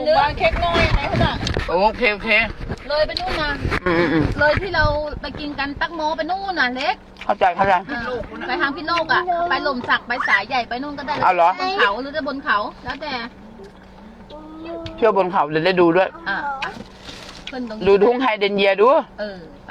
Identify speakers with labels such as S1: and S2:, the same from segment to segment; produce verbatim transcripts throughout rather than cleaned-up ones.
S1: นึงเค้กน้อยไหนขนาด
S2: โอเคโอเค
S1: เลยไปนู่นนะ
S2: อืมอืม
S1: เลยที่เราไปกินกันตักโมไปนู่นน่ะเล็ก
S2: เข้าใจเข้าใจ
S1: อ่าไปทางพี่โลกอ่ะไปหล่มสักไปสายใหญ่ไปนู่นก็ได้
S2: เอาเหรอ
S1: บนเขาหรือจะบนเขาแล้วแต่
S2: เที่ยวบนเขาเดี๋ยวได้ดูด้วย
S1: อ่าไปขึ้นตรงนี้
S2: ดูทุ่งไฮเดนเยียดู
S1: เออไป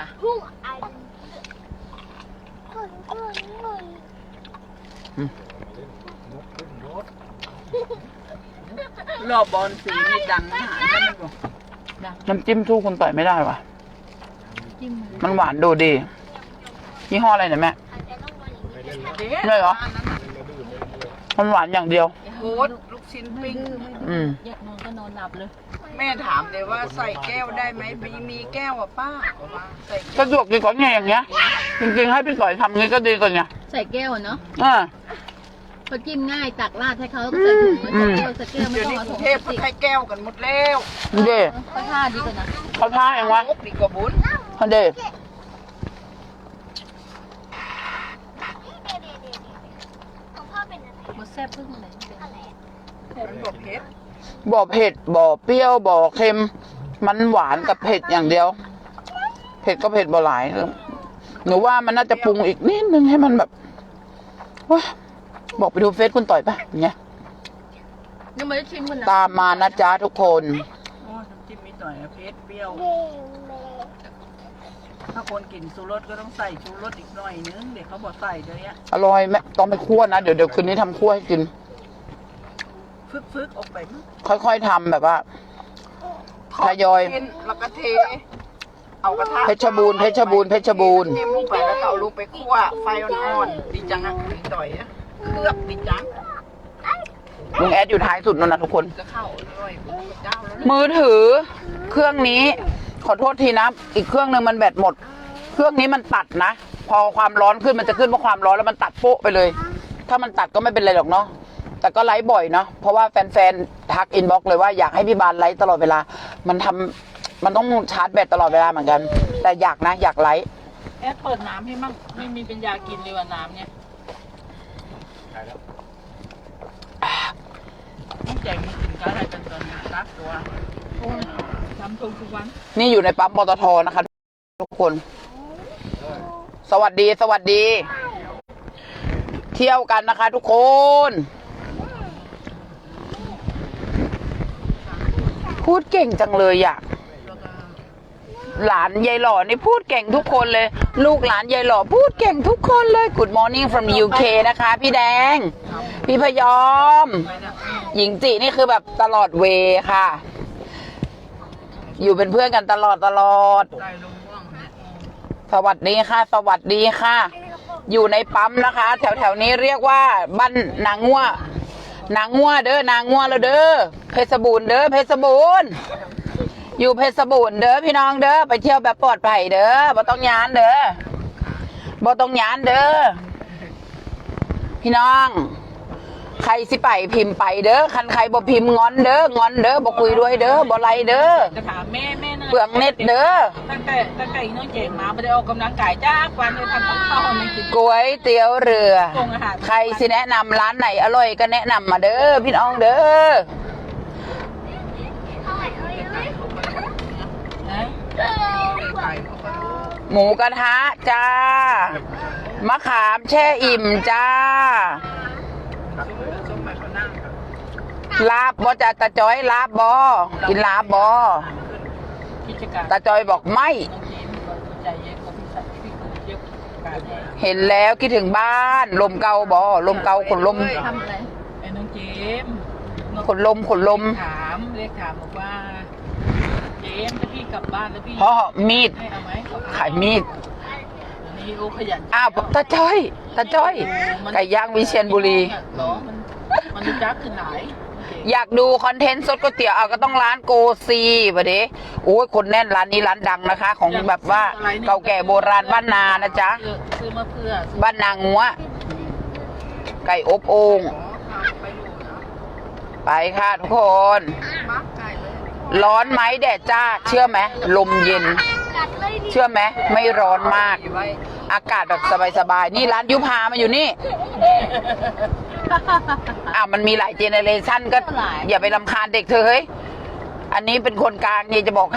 S3: รอบบอลสีนี่ดังนะหาไม่บอก
S2: น้ำจิ้มสู้คุณต่อยไม่ได้ว่ะ
S1: จิ้ม
S2: มันหวานดูดียี่ห้ออะไรเนี่ยแม่ได้เหรอมันหวานอย่างเดียว
S3: โคตรลูกชิ้นปิ้ง
S2: อืม
S1: แยกนอนก็นอนหลับเลย
S3: แม่ถามเลยว่าใส่แก้วได้ไหมมีมีแก้วอ่ะป้าบอกว่าใส่
S2: สะดวกดีกว่าไงอย่างเงี้ยจริงๆให้พี่ต่อยทำงี้ก็ดีกว่าไง
S1: ใส่แก้วเนาะ
S2: อ่า
S1: เขาจิ้มง่ายตักราดให้เขาใส่ถุงไว้ใส่แก้วใส่แก้วไม่
S3: เดี๋ยว
S1: ต้อง
S3: นี้
S1: เอา
S3: กรุ
S1: ถุ
S3: ง
S1: ง
S3: เทพเขาใช้แก้วกันหมดแล้ว
S2: เด้
S1: ก็ท่าดีกว่านะ
S2: เขาท่าเองวะ
S3: งกดีกว่าบุญ
S2: เขาเด้
S1: หมดแซ่บพึ่งเลย
S3: มันบอกเพชร
S2: บ่เผ็ดบ่เปรี้ยวบ่เค็ม มันหวานกับเผ็ดอย่างเดียว เผ็ดก็เผ็ดบ่หลายหนูว่ามันน่าจะปรุงอีกนิดนึงให้มันแบบว้าบอกไปดูเฟซคุณต่อยปะอย่างเงี้ย
S1: ยังไม่ได้ชิมกันนะ
S2: ตามมานะจ๊ะทุกคน
S3: โอ้น้ำจิ้มนิดหน่อยนะเพชรเปรี้ยว ถ้าคนกินชูรสก็ต้องใส่ชูรสอีกหน่อยนึงเดี๋ยวเขาบอกใส่เดี๋ยวนี้
S2: อร่อยแม่ต้องไปคั่วนะ เดี๋ยวเดี๋ยวคืนนี้ทำคั่วให้กิน
S3: ฟึกฟึกๆออกไปมั้ง
S2: ค่อยๆทำแบบว่า ทยอย
S3: เทแล้วก็เท เอากระทะ
S2: เพชรบูรณ์เพชรบูรณ์เพชรบูรณ์
S3: เทลงไปแล้วก็เอาลงไปคั่วไฟอ่อนๆดีจังอ่ะดีต่อยอ่ะเคลือบดีจัง
S2: ลุงแอดอยู่ท้ายสุดนั่นนะทุกคน
S3: ก็เข้าอร่อยเจ้าแล้วนะ
S2: มือถือ เครื่องนี้ ขอโทษทีนะ อีกเครื่องหนึ่งมันแบตหมด เครื่องนี้มันตัดนะ พอความร้อนขึ้นมันจะขึ้นว่าความร้อนแล้วมันตัดโป๊ะไปเลย ถ้ามันตัดก็ไม่เป็นไรหรอกเนาะ แต่ก็ไลฟ์บ่อยเนาะ เพราะว่าแฟนๆ ทักอินบ็อกซ์เลยว่าอยากให้พี่บานไลฟ์ตลอดเวลา มันทำมันต้องชาร์จแบตตลอดเวลาเหมือนกัน แต่อยากนะ อยากไลฟ์
S1: แอดเปิดน้ำให้มั่งไม่มีเป็นยากินเลยว่าน้ำเนี่ยต้องแจกมากินกันอะไรกันตอนนี้รักตัวโอ้ยทำทุกทุกวัน
S2: นี่อยู่ในปั๊มปตทนะคะทุกคน สวัสดี สวัสดี เที่ยวกันนะคะทุกคน พูดเก่งจังเลยอ่ะ หลานยายหล่อนี่พูดเก่งทุกคนเลย ลูกหลานยายหล่อพูดเก่งทุกคนเลย Good morning from ยู เค นะคะ พี่แดง พี่พยอม หญิงจีนี่คือแบบตลอดเวค่ะ อยู่เป็นเพื่อนกันตลอดตลอด
S3: ได้ลงม่วงเนี่ย
S2: สวัสดีค่ะ สวัสดีค่ะ อยู่ในปั๊มนะคะ แถวแถวนี้เรียกว่าบ้านนางงัวนางงัวเด้อนางงัวแล้วเด้อเพชรบูรณ์เด้อเพชรบูรณ์อยู่เพชรบูรณ์เด้อพี่น้องเด้อไปเที่ยวแบบปลอดภัยเด้อบ่ต้องยานเด้อบ่ต้องยานเด้อพี่น้อง ใครสิไปพิมพ์ไปเด้อคันใครบ่พิมพ์งอนเด้องอนเด้อบ่คุยด้วยเด้อบ่ไล่เด้อ
S1: จะถามแม่แม่นั่น
S2: เปลืองเน็ตเด้อ
S1: ตั้งแต่ตั้งแต่อีน้องเจงมาไม่ได้ออกกำลังกายจ้าวันเลยทำกับข้าวให้กิน
S2: ก๋วยเตี๋ยวเรือ
S1: ปรุงอาหาร
S2: ใครสิแนะนำร้านไหนอร่อยก็แนะนำมาเด้อพี่น้องเด้อ
S1: นะ
S3: ไก่เขาก็รู้
S2: หมูกระทะจ้า มะขามแช่อิ่มจ้า
S3: ส้มไปเขานั่ง
S2: ลาบบ่จ้าตาจอยลาบบ่กินลาบบ่
S1: กิจการ
S2: ตาจอยบอกไม่
S1: น้องเจมก็ใจเย็นก็พี่ใส่พี่ก็เยอะการแน่
S2: เห็นแล้วคิดถึงบ้าน ลมเกาบ่ลมเกาขนลม
S1: ทำอะไรไอ้น้องเจม
S2: ขนลมขนลม
S1: ถามเรียกถามบอกว่า เจมถ้าพี่กลับบ้านแล้วพี่
S2: เพราะมีด
S1: ให้เอาไหม
S2: ขายมีด
S1: นี่โอ้ขยัน
S2: อ้าวตาจ้อยตาจ้อยไก่ย่างวิเชียรบุรี
S1: เหรอมันมันรู้จักขึ้นไหน
S2: อยากดูคอนเทนต์สดก๋วยเตี๋ยวเอาก็ต้องร้านโกซีปะเด้โอ้ยคนแน่นร้านนี้ร้านดังนะคะ ของแบบว่าเก่าแก่โบราณบ้านนานะจ๊ะ
S1: ซื้อมาเพื่อ
S2: บ้านนางงัวไก่อบโอ่ง
S3: ไปดูนะ
S2: ไปค่ะทุกคน
S3: มักไก่เลย
S2: ร้อนไหมแดดจ้า เชื่อไหมลมเย็น เชื่อไหมไม่ร้อนมาก
S3: ไว้
S2: อากาศแบบสบายๆนี่ร้านยุพามาอยู่นี่อ่ะมันมีหลายเจเนเรชันก็อย่าไปรำคาญเด็กเธอเฮ้ยอันนี้เป็นคนกลางนี่จะบอกให้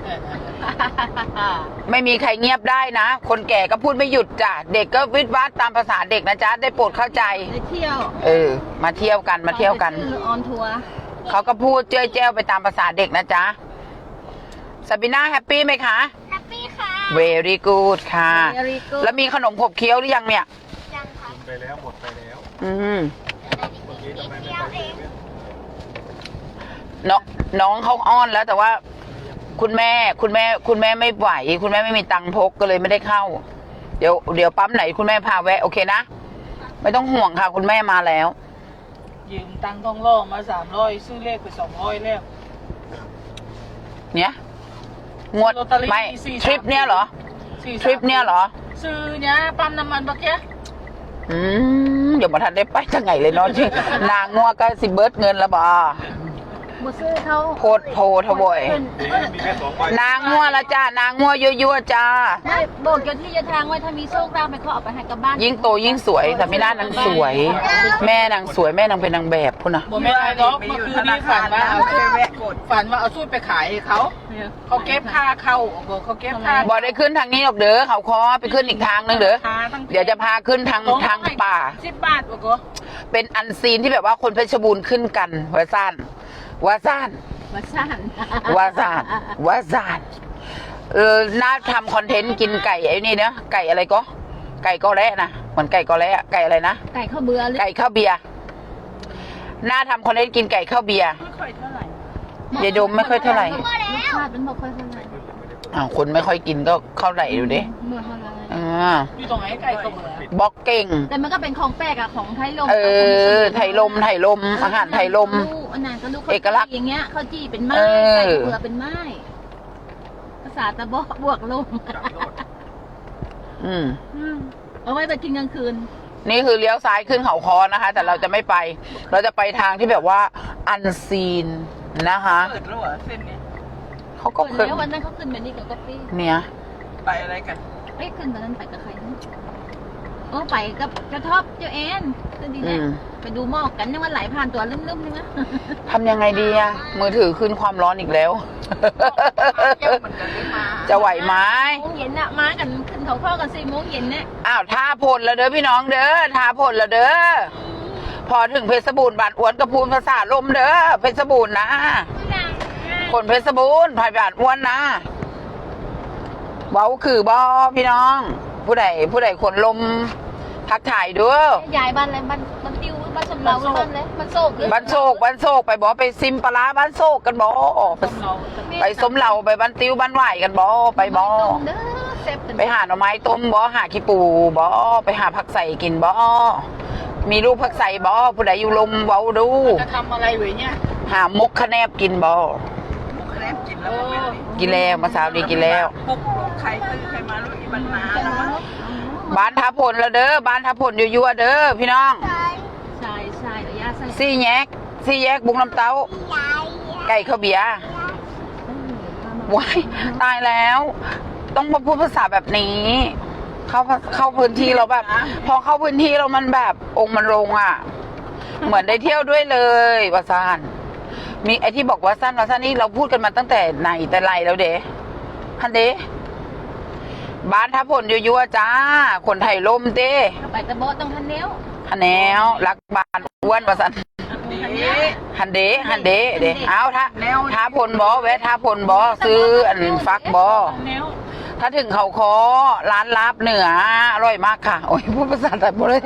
S2: ไม่มีใครเงียบได้นะ คนแก่ก็พูดไม่หยุดจ้ะ เด็กก็วิดวัดตามภาษาเด็กนะจ๊ะ ได้โปรดเข้าใจ
S1: ไปเที่ยว
S2: เออ มาเที่ยวกัน มาเที่ยวกัน
S1: ออนทัวร์
S2: เขาก็พูดเจ้ยแจ้วไปตามภาษาเด็กนะจ๊ะซาบิน่าแฮปปี้ไหมคะ
S4: แฮปปี้ค่ะ
S2: very good ค่ะ
S1: Very good
S2: แล้วมีขนมขบเคี้ยวหรือยังเนี่ย
S4: ยังค่ะ
S5: ไปแล้วหมดไปแล้ว
S2: อืม
S4: นิดเดียวเอง
S2: น้องน้องเขาอ้อนแล้วแต่ว่า คุณแม่คุณแม่ คุณแม่ไม่ไหว คุณแม่ไม่มีตังค์พกก็เลยไม่ได้เข้า เดี๋ยวเดี๋ยวปั๊มไหนคุณแม่พาแวะโอเคนะ ไม่ต้องห่วงค่ะ คุณแม่มาแล้ว
S1: ยืมตังค์ทองล่อมาสามร้อยซื้อเลขไปสองร้อยแล้ว
S2: เนี่ยงวด
S1: ลอตเตอรี่
S2: ไม่
S1: สี่สาม
S2: ทริปเนี่ยเหรอ
S1: สี่สาม
S2: ทริปเนี่ยเหรอ
S1: ซื้อเนี่ยปั๊มน้ำมันปะแก
S2: อืมเดี๋ยวมาทันได้ไปจังไงเลยเนาะจริงนางงัวก็สิเบิร์ดเงินละบ่
S1: บ่ซื้อเขา
S2: โคตรโพทบอย
S5: มีแค่สองใบ
S2: นางงัวละจ้านางงัวยั่วๆจ้า
S1: ได้บอกเจ้าที่เจ้าทางไว้ถ้ามีโชคลาภไปเขาเอาไปให้กับบ้าน
S2: ยิ่งโตยิ่งสวยแต่ไม่น่านางสวย แม่นางสวยแม่นางเป็นนางแบบพุ่นนะ
S1: บ่แม่นอะไรหรอกเมื่อคืนนี้ฝันว่าเอา
S3: เคยแวะกด
S1: ฝันว่าเอาสูตรไปขายให้เขาเขาเก็บค่าเข้าบอกเขาเก็บค่า
S2: บอกได้ขึ้นทางนี้หรอกเด้อเขาคอไปขึ้นอีกทางนึงเด้อเดี๋ยวจะพาขึ้นทางทางป่า
S1: สิบบาทบอกก็
S2: เป็นอันซีนที่แบบว่าคนเพชรบูรณ์ขึ้นกันวาซานวาซาน
S1: มาสั่น
S2: วาซานวาซานเออน่าทำคอนเทนต์กินไก่ไอ้นี่เนาะไก่อะไรก็ ไก่กอแระนะเหมือนไก่กอแระไก่อะไรนะ
S1: ไก่ข้าวเบื่อเลย
S2: ไก่ข้าวเบียร์น่าทำคอนเทนต์กินไก่ข้าวเบียร์
S1: ไม่ค่อยเท่าไหร่
S2: ยายดมไม่ค่อยเท่าไหร่
S1: รสชาติมันบ่ค่อยเท่าไหร่
S2: อ้าวคนไม่ค่อยกินก็เข้าไหลดูดิ
S1: เมื่อเท่าไหร่
S2: อ่า
S1: อยู่ตรงไหนไก่ข้าวเบื่อ
S2: บอกเก่ง
S1: แต่มันก็เป็นของแปลกอะของไทยลม
S2: เออ ไทยลม ไทยลม อาหารไทยลม
S1: อันนั้นก็ลูก
S2: เอกลักษณ์
S1: อย่างเงี้ยข้าวจี่เป็นไม้
S2: เออ
S1: ไก่เบื่อเป็นไม้ภาษาตะบอกบวกลม
S2: อืม
S1: เอาไว้ไปกินกลางคืน
S2: นี่คือเลี้ยวซ้ายขึ้นเขาคอนะคะ แต่เราจะไม่ไป เราจะไปทางที่แบบว่าอันซีนนะคะ
S3: เปิดแล้วเหรอเส้นนี้
S2: เขาก็
S1: คน
S2: เคย
S1: แล้ววันนั้นเขาขึ้นแบบนี้กับก๊อปปี้
S2: เนี่ย
S3: ไปอะไรกัน
S1: เอ้ยขึ้นวันนั้นไปกับใครนะโอ้ไปกับกระท็อปเจ้าแอนก็ดี
S2: อื
S1: นะ
S2: ม
S1: ไปดูหมอกกันยังวันไหลผ่านตัวลืมๆใช่ไหม
S2: ทำยังไงดีอะมือถือขึ้นความร้อนอีกแล้ว
S3: เยอะเหมือนกันเลยมา
S2: จะไหวไหม
S1: โมงเย็นน่ะมากันขึ้นเขาข้อกันสี่โมงเย็นเนี่ย
S2: อ้าวท่าพลแล้วเด้อพี่น้องเด้อท่าพลแล้วเด้อพอถึงเพชรบูรณ์บานอ้วนกระพูนภาษาลมเด้อเพชรบูรณ์นะคนเพชรบูรณ์ภายบานอ้วนนะเว้าคือบอพี่น้อง ผู้ใดผู้ใดคนลมทักถ่ายด้วย
S1: ยายบ้านอะไรบ้านบ้านติวบ้านสำเราบ้านเลยบ้านโศกหรือ
S2: บ้านโศกบ้านโศกไปบอไปซิมปลาร้าบ้านโศกกันบอ
S1: สำเรา
S2: ไปสมเหล่าไปบ้านติ้วบ้านไหวกันบอไปบอ
S1: เด้อเซฟ
S2: ไปหาหน่อไม้ต้มบอหาขี้ปูบอไปหาผักใส่กินบอมีลูกผักใส่บอผู้ใดอยู่ลมเว้าดู
S1: จะทำอะไรไว้เนี่ย
S2: หามกคะแนบกินบอ
S3: มุกแครบกินแล้วมันเป็น
S2: กินแล้วมาสาวดีกินแล้ว
S3: ปุกลูกใครซื้อใครมาลูกอีบันนาแล้วมั้ง
S2: บ้านทับผลแล้วเด้อบ้านทับผลยั่วๆเด้อพี่น้อง
S1: ใช่ใช่เดี๋ยวยาใส่
S2: ซี่แยกซี่แยกบุงน้ำเต้า ไก่ข้าวเบียร์ว้ายตายแล้ว ต้องมาพูดภาษาแบบนี้ เข้าเข้าพื้นที่เราแบบ พอเข้าพื้นที่เรามันแบบองค์มันลงอ่ะ เหมือนได้เที่ยวด้วยเลยวาซานมีไอที่บอกว่าสั้นวาซานนี่เราพูดกันมาตั้งแต่ไหนแต่ไรแล้วเด้ฮันเด้บ้านทับผลยั่วๆจ้า คนไทยลมเด้
S1: ไปตะโบต้องทันเนี้ยว
S2: ฮันแนวรักบ้านอ้วนวาซาน
S3: ดี
S2: ฮันเดฮันเดเดเอาท้าท้าพลบอแวะท้าพลบอซื้ออันฟักบอถ้าถึงเขาคอร้านลาบเหนืออร่อยมากค่ะ โอ้ยพูดภาษาไทยหมดเลย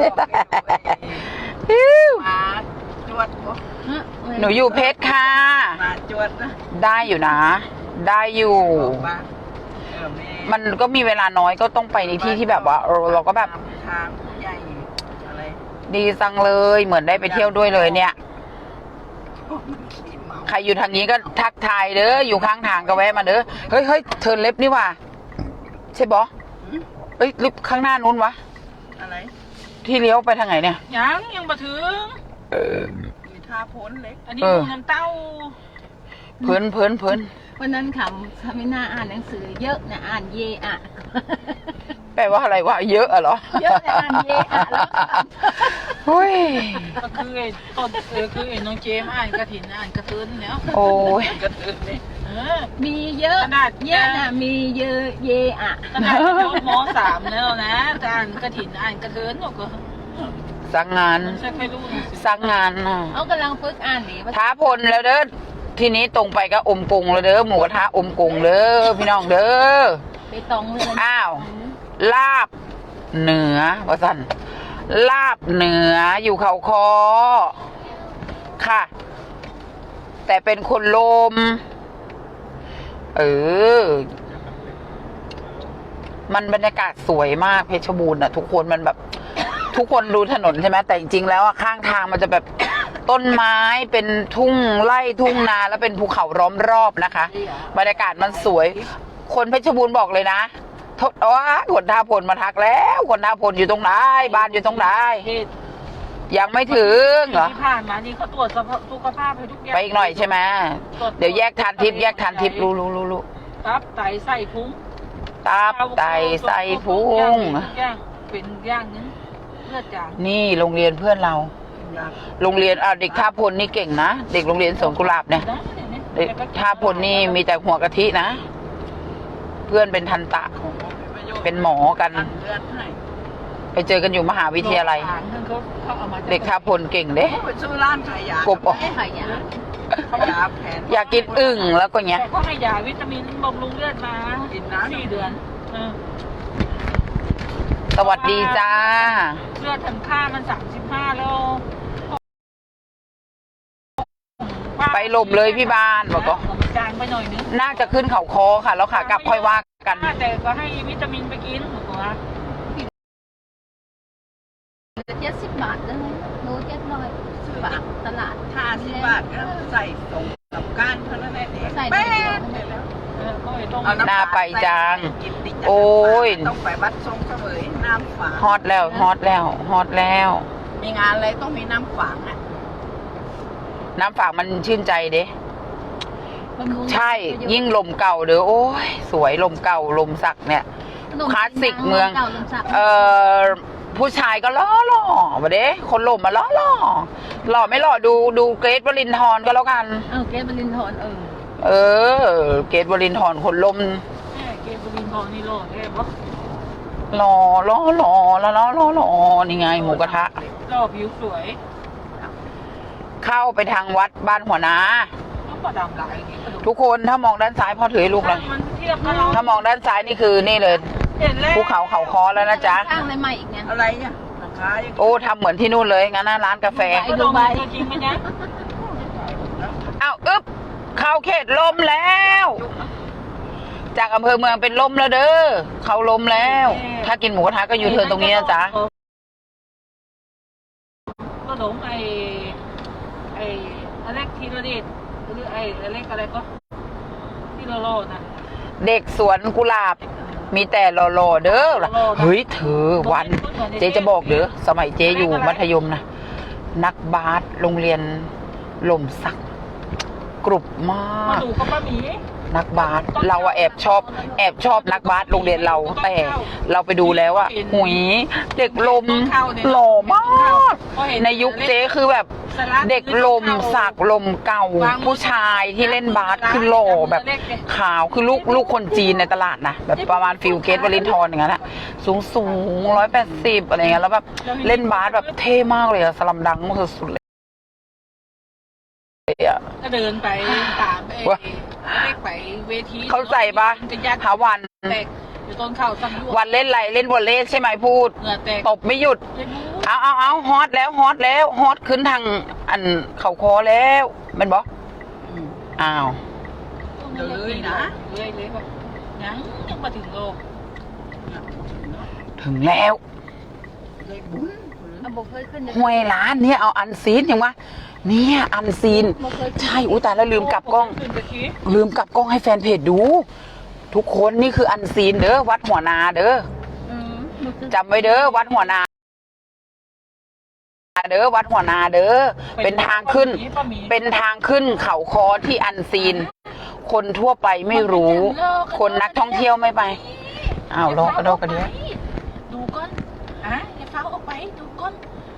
S3: มาจวดบ่
S2: หนูอยู่เพชรค่ะ
S3: มาจวดนะ
S2: ได้อยู่นะ ได้อยู่
S3: บอกว่าเออแม่
S2: มันก็มีเวลาน้อยก็ต้องไปในที่ที่แบบว่าเออเราก็แบบ
S3: ทางผู้ใหญ่อะไร
S2: ดีจังเลยเหมือนได้ไปเที่ยวด้วยเลยเนี่ย
S3: ขี่เมา
S2: ใครอยู่ทางนี้ก็ทักทายเด้ออยู่ข้างทางก็แวะมาเด้อเฮ้ยเฮ้ยเทิร์นเล็บนี่ว่ะใช่บอเอ้ยลิฟต์ข้างหน้านู้นวะ
S3: อะไร
S2: ที่เลี้ยวไปทางไหนเนี่ย
S1: ยังยังมาถึง
S3: มีท่าพ้นเล็ก
S1: อันนี้
S2: เออ
S1: มูน้ำเต้า
S2: เพิ่นเพิ่นเพิ่น
S1: วันนั้นขำทำให้หน้าอ่านหนังสือเยอะนะอ่านเยอะ
S2: แปลว่าอะไรวะเยอะอะเหรอ
S1: เยอะนะอ่านเยอะอะแล้วข
S2: เฮ้ย
S3: ก็คือไอ้ต้นเออคือไอ้น้องเจมอ่านกระถินอ่านกระเทินแล้ว
S2: โอ้ย
S3: กระเทินนี่เออ
S1: มีเยอะ
S3: ขนาด
S1: เยอะนะมีเยอะเยอะ
S3: ขนาดยศมสามแล้วนะจะอ่านกระถินอ่านกระเทินหรอกก็
S2: สั่งงาน
S3: มันใช่ไม่รู้หนังสือ
S2: สั่งงานน่ะ
S1: เอากำลังฝึกอ่านดีว่า
S2: ท้าพลแล้วเด้อทีนี้ตรงไปก็อมกงแล้วเด้อหมูกระทะอมกงเด้อพี่น้องเด้อ
S1: ไปตองเลย
S2: อ้าว ลาบเหนือว่าสันลาบเหนืออยู่เขาคอค่ะ แต่เป็นคนลม เออ มันบรรยากาศสวยมากเพชรบูรณ์อะทุกคนมันแบบ ทุกคนดูถนนใช่ไหมแต่จริงๆแล้วอะข้างทางมันจะแบบต้นไม้เป็นทุ่งไร่ทุ่งนาแล้วเป็นภูเขาล้อมรอบนะคะ บรรยากาศมันสวย คนเพชรบูรณ์บอกเลยนะทดว่าคนท่าพลมาทักแล้วคนท่าพลอยู่ตรงไหนบ้านอยู่ตรงไหน
S3: เหตุ
S2: ยังไม่ถึงเหรอ
S3: ที่ผ่านมานี่เขาตรวจสุขภาพให้ทุกอย่าง
S2: ไปอีกหน่อยใช่ไหมเดี๋ยวแยกทานทิพย์แยกทานทิพย์รู้รู้รู้รู้
S3: ตับไตไส้พุง
S2: ตับไตไส้พุง
S3: ทุกอย่างเป็นอย่างนึงเลือดจาง
S2: นี่โรงเรียนเพื่อนเรา โรงเรียนอ่ะเด็กท่าพลนี่เก่งนะเด็กโรงเรียนสวนกุหลาบเนี่ยเด็กท่าพลนี่มีแต่หัวกะทินะ เพื่อนเป็นทันตะ เป็นหมอกัน
S3: เลือดให้
S2: ไปเจอกันอยู่มหาวิทยาลัย เด็กท่าพลเก่งเด้
S3: เขาไปซื้อร้านขายยาก
S2: บออก
S1: ไม่หายยา
S3: เขายาแผน
S2: อยากกินอึ่งแล้วก็เนี้ย
S3: แต่เขาให้ยาวิตามินบำรุงเลือดมากินน้ำสี่เดือนเออ
S2: สวัสดีจ้า
S3: เลือดทางค่ามันสามสิบห้าแล้ว
S2: ไปหลบเลยพี่บานบอกก็
S3: มันจางไปหน่อยนึง
S2: น่าจะขึ้นเขาคอค่ะ แล้วขากลับค่อยว่ากัน
S3: แต่ก็ให้วิตามินไปกินถูกไหม
S1: เจ็ดสิบบาทเลยโลเจ็ดร้อยบาทตลาด
S3: ห้าสิบบาทก็ใส่ตรงกับก้านเท่านั้นแหละ
S1: ใส่
S3: แป๊
S1: ได้
S3: ดเดียวแล้วเออก็เลยต้อง
S2: หน้าไปจัง
S3: กินติดจาก
S2: โอ้ย
S3: ต้องไปวัดทรงเสวยน้ำฝาง
S2: ฮอตแล้วฮอตแล้วฮอตแล้ว
S3: มีงานอะไรต้องมีน้ำฝางอ่ะ
S2: น้ำฝากมันชื่นใจเด้
S1: บำรุง
S2: ใช่ ยิ่งลมเก่าเด้อโอ้ยสวยลมเก่าลมสักเนี่ย คลาสสิกเมือง
S1: ก่าลมสัก
S2: เอ่อผู้ชายก็ล่อหล่อมาเด้คนหล่มมาล่อหล่อหล่อไม่หล่อดูดูเกรทวรินทร์ก็แล้วกัน
S1: เออเกสบรินทร์เออ
S2: เออ เกรทวรินทร์คนลม
S3: แม่เกมบุรินทองนี่โลดได้ปะ
S2: หล่อล่อหล่อแล้วล่อล่อหล่อนี่ไงหมูกระทะ
S3: รอผิวสวย
S2: เข้าไปทางวัดบ้านหัวนา
S3: ต้องประดามหลายนี่กระดูก
S2: ทุกคนถ้ามองด้านซ้ายพ่อถือให้ลูกเลย
S3: มันเทียบกับเรา
S2: ถ้ามองด้านซ้ายนี่คือนี่เลย
S3: เห็นแล้ว
S2: ภูเขาเขาคอแล้วนะจ๊ะ
S1: สร้างอะไรใหม่อีกเนี่ย
S3: อะไรเนี่ยราคายัง
S2: โอ้ทำเหมือนที่นู่นเลยงั้นนะร้านกาแฟ
S3: ไปดูใบจริงไหมจ๊ะ
S2: อ้าวอึ๊บเข้าเขตลมแล้ว จากอำเภอเมืองเป็นลมแล้วเด้อเข้าลมแล้ว ถ้ากินหมูกระทะก็อยู่เทิร์นตรงนี้นะจ๊ะ
S3: ก็หลงไอ้ไอ้อเล็กทีละเดชหรือไอ้อเล็กอะไรก็ที่โลโลนะ
S2: เด็กสวนกุหลาบ มีแต่หล่อๆเด้อเฮ้ยเธอวัน เจ๊จะบอกเด้อสมัยเจ๊อยู่มัธยมนะนักบาสโรงเรียนหล่มสัก กรุบมาม
S3: าก ดูเขาป้าหมี
S2: นักบาสเราอะแอบชอบ แอบชอบนักบาสโรงเรียนเรา แต่เราไปดูแล้วอะหุยเด็กลมหล่อมาก ในยุคเจ๊คือแบบ เด็กลมสักลมเก่า ผู้ชายที่เล่นบาสคือหล่อแบบขาวคือลูกลูกคนจีนในตลาดนะแบบประมาณฟิลเกตวลินทร์อย่างนั้นอะสูงสูงร้อยแปดสิบอะไรเงี้ยแล้วแบบเล่นบาสแบบเท่มากเลยอะสลัมดังมากสุดๆเลยอะ
S3: ก็เดินไปตามไอ้
S2: วะ
S3: เล็กไปเวที
S2: เข้าใจปะ
S3: เป็นญาติ
S2: หาวัน
S3: แตกอยู่ต้นเข่าสั่งยว
S2: วันเล่นอะไรเล่นวอลเลย์ใช่ไหมพูด
S3: เหงื่อแตก
S2: ตบไม่หยุด
S3: เจ็บมือ
S2: เอาเอาเอาฮอตแล้วฮอตแล้วฮอตขึ้นทางอันเข่าคอแล้วแมันบอกอ้าว
S3: เดี๋ยวเลยนะเลยเลยแบบยังยังมาถึงโลก
S2: ถึงแล้ว
S3: เลยบุญ
S1: เอาบอกเคยขึ้น
S2: ห้วยร้านเนี่ยเอาอันซีนเห็นวะเนี่ยอันซีน ใช่อุ้ยตายแล้วลืมกลับกล้อง
S3: ขึ้นไปขี้
S2: ลืมกลับกล้องให้แฟนเพจดู ทุกคนนี่คืออันซีนเด้อวัดหัวนาเด้อ
S1: อืมมันคือ
S2: จำไว้เด้อวัดหัวนาเด้อวัดหัวนาเด้อเป็นทางขึ้น เป็นทางขึ้นเขาคอที่อันซีน คนทั่วไปไม่รู้ คนนักท่องเที่ยวไม่ไปอ้าวรอกระโดกกระเดียว
S3: ดูก้อนอ่ะอย่าฟ้าออกไปดูก้อน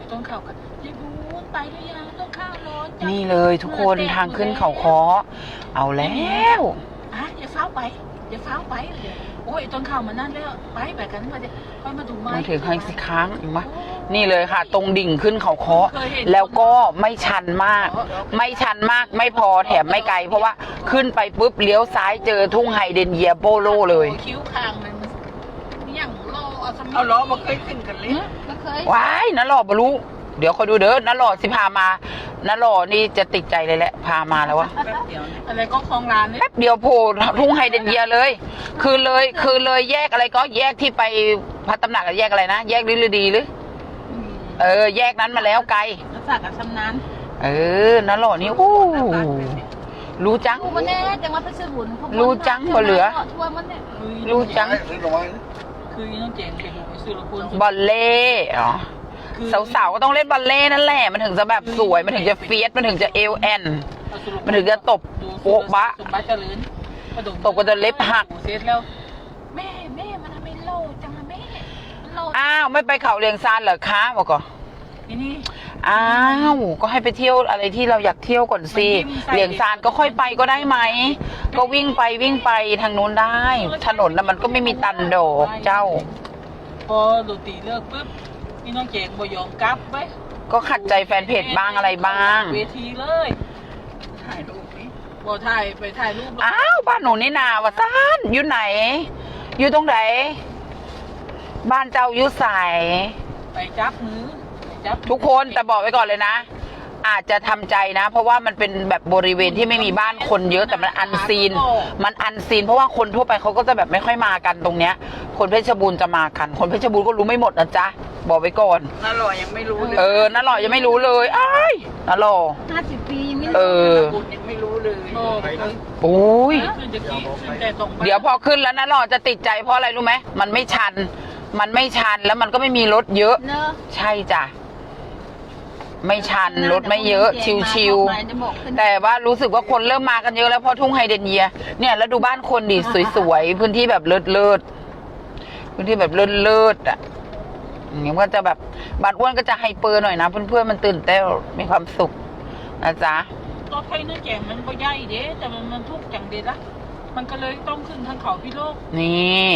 S3: ต้นข่าวกันยายบูนไปหรือยังต้นข้าวร้อนจัง
S2: นี่เลยทุกคนทางขึ้นเขาคอเอาแล้ว
S3: อ่ะอย่าเฝ้าไปอย่าเฝ้าไปเดี๋ยวโอ้ยต้นข่าวมานั่นแล้วไปไปกันมาเดี๋ยวค่อยมาดูไม้
S2: มาถึงให้สิค้างอีกมะนี่เลยค่ะ ตรงดิ่งขึ้นเขาคอแล้วก็ไม่ชันมาก ไม่ชันมากไม่พอแถมไม่ไกล เพราะว่าขึ้นไปปุ๊บเลี้ยวซ้ายเจอทุ่งไฮเดรนเยียโบโลเลย
S3: คิ้วคางมันอย่างโลเอาสมิ
S6: เอาล้อมาเคยขึ้นกันเลย
S1: ก็เคย
S2: ว้ายน้าหล่อบรู้เดี๋ยวคอยดูเด้อน้าหล่อสิพามาน้าหล่อนี่จะติดใจเลยแหละพามาแล้ววะ
S6: แป๊บเดียวนะ
S3: อะไรก็คลองร้านเนี่ย
S2: แป๊บเดียวโผล่ทุ่งไฮเดรนเยียเลย คือเลยคือเลยแยกอะไรก็แยกที่ไปพระตำหนักกับแยกอะไรนะแยกลิลดีหรือเออแยกนั้นมาแล้วไกล
S1: รักษากับชำนาญ
S2: เออน้าหล่อนี่โอ้รู้จัง
S1: กูมันแน่จังว่าเพชรบุญเขา
S2: รู้จังบ่เหลือ
S1: ทั่วมันเนี่ย
S2: รู้จัง
S3: คือน้องเจนไปดูไปซื้อละคุณ
S2: บอลเล่อ๋อสาวๆก็ต้องเล่นบอลเล่นั่นแหละมันถึงจะแบบสวยมันถึงจะเฟียสมันถึงจะเอลแอนมันถึงจะตบโป๊ะบะ
S3: สมบัติเจริญ
S2: ตบกันจนเล็บหัก
S3: เสร็จแล้วแม่แม่มันทำไมโลจังอะแม่มันโล
S2: อ้าวไม่ไปเขาเลียงซานเหรอคะบอกก่อน
S3: นี่นี่
S2: อ้าวก็ให้ไปเที่ยวอะไรที่เราอยากเที่ยวก่อนสิเลียงซานก็ค่อยไปก็ได้ไหมก็วิ่งไปวิ่งไปทางนู้นได้ ถนนน่ะมันก็ไม่มีตันดอกเจ้า
S3: พอดูตีเลิกปุ๊บพี่น้องเจนบ่ยอมกลับไว้
S2: ก็ขัดใจแฟนเพจบ้างอะไรบ้าง
S3: เวทีเลย
S6: ถ่ายรูปนี้
S3: บ่ถ่ายไปถ่ายรูป
S2: อ้าวบ้านหนูนี่นาวะซานอยู่ไหน อยู่ตรงไหนบ้านเจ้าอยู่ใส
S3: ไปจับมือไปจับ
S2: ทุกคนแต่บอกไว้ก่อนเลยนะ อาจจะทำใจนะ เพราะว่ามันเป็นแบบบริเวณที่ไม่มีบ้านคนเยอะแต่มันอันซีน มันอันซีน เพราะว่าคนทั่วไปเขาก็จะแบบไม่ค่อยมากันตรงเนี้ย คนเพชรบูรณ์จะมากัน คนเพชรบูรณ์ก็รู้ไม่หมดนะจ๊ะบอกไว้ก่อน
S6: น่าหล่อยังไม่รู้เลย
S2: เออน้าหล่อยังไม่รู้เลยอ้ายน้าหล่อ
S1: ห้าสิบปียังไม่
S2: เออ
S6: บุญยังไม่รู้เลย
S3: โลไปเลย
S2: โอ้ย
S3: ขึ้นจะกี้ขึ้นแต่ตรงไป
S2: เดี๋ยวพอขึ้นแล้วน้าหล่อจะติดใจเพราะอะไรรู้ไหมมันไม่ชัน มันไม่ชันแล้วมันก็ไม่มีรถเยอะ
S1: เนอะ
S2: ใช่จ้ะไม่ชันรถไม่เยอะ ชิวๆแต่ว่ารู้สึกว่าคนเริ่มมากันเยอะแล้วเพราะทุ่งไฮเดรนเยียเนี่ยแล้วดูบ้านคนดิสวยๆพื้นที่แบบเลิศเลิศๆพื้นที่แบบเลิศเลิศๆอ่ะอย่างนี้ก็จะแบบบ้านอ้วนก็จะไฮเปอร์หน่อยนะเพื่อนๆมันตื่นเต้นมีความสุขนะจ๊ะ
S3: รถไฟน้องเจนมันก็ใหญ่เด้แต่มันมันทุกจังเด็ดละมันก็เลยต้องขึ้นทางเขาพี่โลก
S2: นี่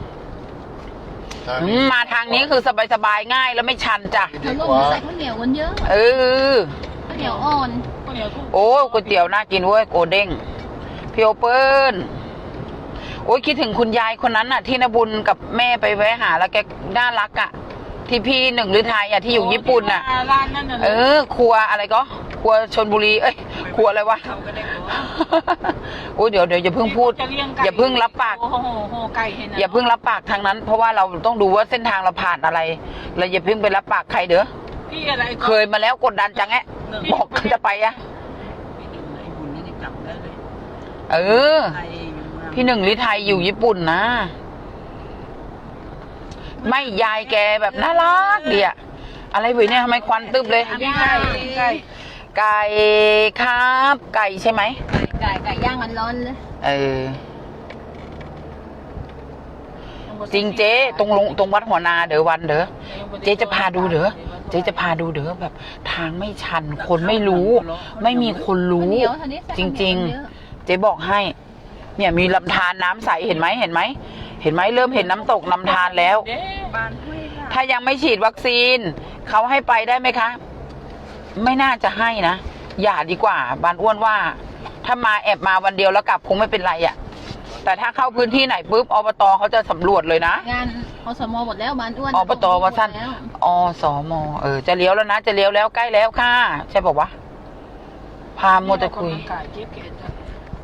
S2: อืมมาทางนี้คือสบายๆง่ายแล้วไม่ชันจ้ะ
S1: เขาลงใส่ข้าวเหนียวกันเยอะ
S2: เออ
S1: ข้าวเหนียวอ่อน
S3: ก็เดี๋ยวทุก
S2: โอ้ยก๋วยเตี๋ยวน่ากินเว้ยโอเด้งพี่โอเปิ้ลโอ้ยคิดถึงคุณยายคนนั้นน่ะ ที่นบุญกับแม่ไปแวะหาแล้วแกน่ารักอ่ะ ที่พี่หนึ่งหรือไทยอ่ะที่อยู่ญี่ปุ่นน่ะ
S3: ร้านนั่นน่ะ
S2: เออ ครัวอะไรก็ ครัวชลบุรีเอ้ยครัวอะไรวะ
S6: เขาก็ได้บอก
S2: โอ้ยเดี๋ยวเดี๋ยวอย่าเพิ่งพูด อย่าเพิ่งรับปาก
S3: โอ้โหโหไก่เห็นนะ
S2: อย่าเพิ่งรับปากทางนั้น เพราะว่าเราต้องดูว่าเส้นทางเราผ่านอะไรเราอย่าเพิ่งไปรับปากใครเด้อ
S3: พี่อะไรก็
S2: เคยมาแล้วกดดันจังแอะบอกจะไปอะ
S6: พี่หนึ่งไอ้บุญนี่กลับได้เลย
S2: เออ
S6: ไทยอยู่เมือง
S2: พี่หนึ่งลิไทยอยู่ญี่ปุ่นนะ ไม่ยายแกแบบน่ารักดีอะอะไรเว้ยเนี่ยทำไมควันตึบเลย
S3: พี่ไก่พี่ไก่
S2: ไก่ครับ ไก่ใช่ไหม
S1: ไก่ไก่ย่างกันร้อนเลย
S2: เออ จริงเจ๊ตรงลงตรงวัดหัวนาเด้อวันเด้อเจ๊จะพาดูเด้อเจ๊จะพาดูเด้อแบบ ทางไม่ชัน คนไม่รู้ ไม่มีคนรู้
S1: ข้าวเหนียวเท่านี้ใส่
S2: จ
S1: ข้าวเหนี
S2: ริ
S1: ย
S2: ง
S1: วเยอะ
S2: ๆ เจ๊บอกให้ เนี่ยมีลำธารน้ำใสเห็นไหมเห็นไหมเห็นไหมเริ่มเห็นน้ำตกลำธารแล้ว
S3: เด้
S6: บ้านห้วยลาด
S2: ถ้ายังไม่ฉีดวัคซีนเขาให้ไปได้ไหมคะ ไม่น่าจะให้นะอย่าดีกว่าบานอ้วนว่า ถ้ามาแอบมาวันเดียวแล้วกลับคงไม่เป็นไรอะ่ะ แต่ถ้าเข้าพื้นที่ไหนปุ๊บอบตเขาจะสำรวจเลยนะ
S1: งานอสมหมดแล้วบ้านอ้วน
S2: อบตว่าสั้น
S1: หมดแล้ว
S2: อสมเออจะเลี้ยวแล้วนะจะเลี้ยวแล้วใกล้แล้วค่ะใช่บอกว่าพาโมจะคุย
S3: ไก่เจี๊ยบเกศจ้ะ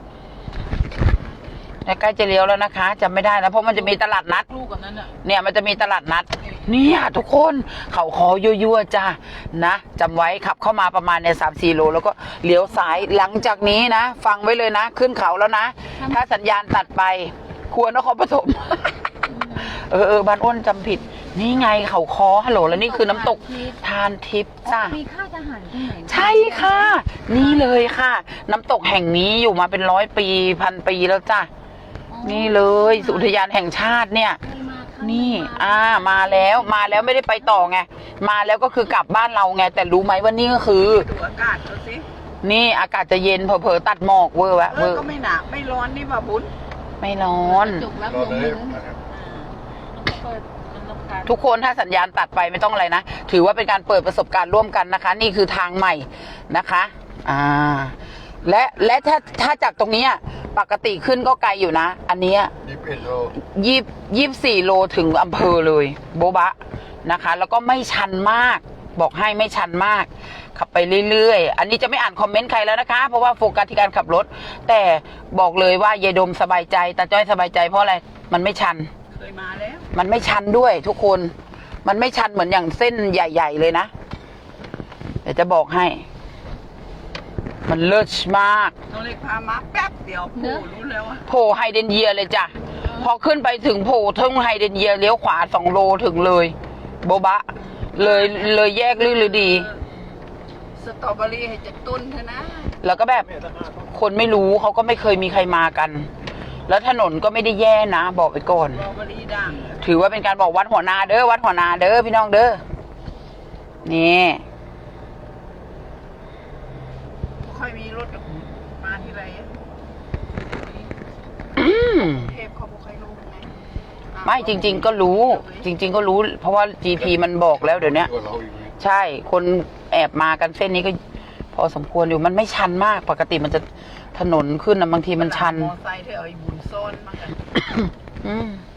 S2: ใกล้จะเลี้ยวแล้วนะคะจำไม่ได้นะเพราะมันจะมีตลาดนัด
S3: ลูกกันนั้นอ่ะ
S2: เนี่ยมันจะมีตลาดนัด เนี่ยทุกคนเขาคอยั่วๆจ้านะจำไว้ขับเข้ามาประมาณเนี่ยสามสี่โลแล้วก็เลี้ยวซ้ายหลังจากนี้นะ ฟังไว้เลยนะ ขึ้นเขาแล้วนะ ถ้าสัญญาณตัดไปครัวนครปฐม เออเออบ้านอ้นจำผิด นี่ไงเขาคอฮัลโหลแล้วนี่คือน้ำตกทานทิพย์จ้า
S1: มีค่ายทหารที่ไหน
S2: ใช่ค่ะ นี่เลยค่ะ น้ำตกแห่งนี้อยู่มาเป็นร้อยปีพันปีแล้วจ้ะนี่เลยอุทยานแห่งชาติเนี่ย
S1: เคยมาค่
S2: นี่ อ่า มาแล้วมาแล้วไม่ได้ไปต่อไงมาแล้วก็คือกลับบ้านเราไงแต่รู้ไหมว่านี่ก็คือ
S6: ดูอากาศเขาสิ
S2: นี่อากาศจะเย็นเผลอๆตัดหมอกเวอร์วะ
S6: เอ
S2: เว
S6: อ
S2: อร์
S6: ก็ไม่หนาไม่ร้อนนี่ป่ะบุญ
S2: ไม่ร้อน
S1: จุกรับ
S5: รอ
S1: ลม
S5: เล
S1: มื
S5: ย
S1: อ
S5: นะครับ
S3: เปิดมันรำคาญ
S2: ทุกคนถ้าสัญญาณตัดไปไม่ต้องอะไรนะถือว่าเป็นการเปิดประสบการณ์ร่วมกันนะคะ นี่คือทางใหม่นะคะอ่าและและถ้าถ้าจากตรงเนี้ยปกติขึ้นก็ไกลอยู่นะ อันเนี้ย
S5: ยี่สิบเอ็ดโล
S2: ยี่ยี่สี่โลถึงอำเภอเลยโบบะนะคะ แล้วก็ไม่ชันมาก บอกให้ไม่ชันมาก ขับไปเรื่อยๆ อันนี้จะไม่อ่านคอมเมนต์ใครแล้วนะคะ เพราะว่าโฟกัสที่การขับรถ แต่บอกเลยว่ายายดมสบายใจตาจ้อยสบายใจเพราะอะไรมันไม่ชัน
S6: เคยมาแล้ว
S2: มันไม่ชันด้วยทุกคน มันไม่ชันเหมือนอย่างเส้นใหญ่ ๆ เลยนะเดี๋ยวจะบอกให้ มันเลิศมาก
S6: น้องเล็กพามาแป๊บเดียวโผล่รู้แล้วว่า
S2: โผล่ไฮเดรนเยียเลยจ้ะ พอขึ้นไปถึงโผล่ทึ่งไฮเดรนเยียเลี้ยวขวาสองโลถึงเลย โบบะ เลยเลยแยกลื่นลือดี
S6: สตรอเบอรี่ให้จะตุ้นเถอะนะ
S2: แล้วก็แบบคนไม่รู้เขาก็ไม่เคยมีใครมากัน แล้วถนนก็ไม่ได้แย่นะ บอกไปก่อน
S6: สตรอเบอรี่ด่าง
S2: ถือว่าเป็นการบอกวัดหัวนาเด้อวัดหัวนาเด้อพี่น้องเด้อนี่
S6: ค่อยมีรถมาที่ไร
S2: อืม
S6: เทพเขาบอกใครรู้ไง
S2: ไม่จริง ๆ ก็รู้ จริง ๆ ก็รู้ เพราะว่า จี พี มันบอกแล้วเดี๋ยวนี้
S5: ตัวเราอีกไหม
S2: ใช่คนแอบมากันเส้นนี้ก็ พอสมควรอยู่มันไม่ชันมากปกติมันจะถนนขึ้นนะบางทีมันชัน
S6: มอไซค์เธอเอาไอ้บุญซ่อนมากัน
S2: อืม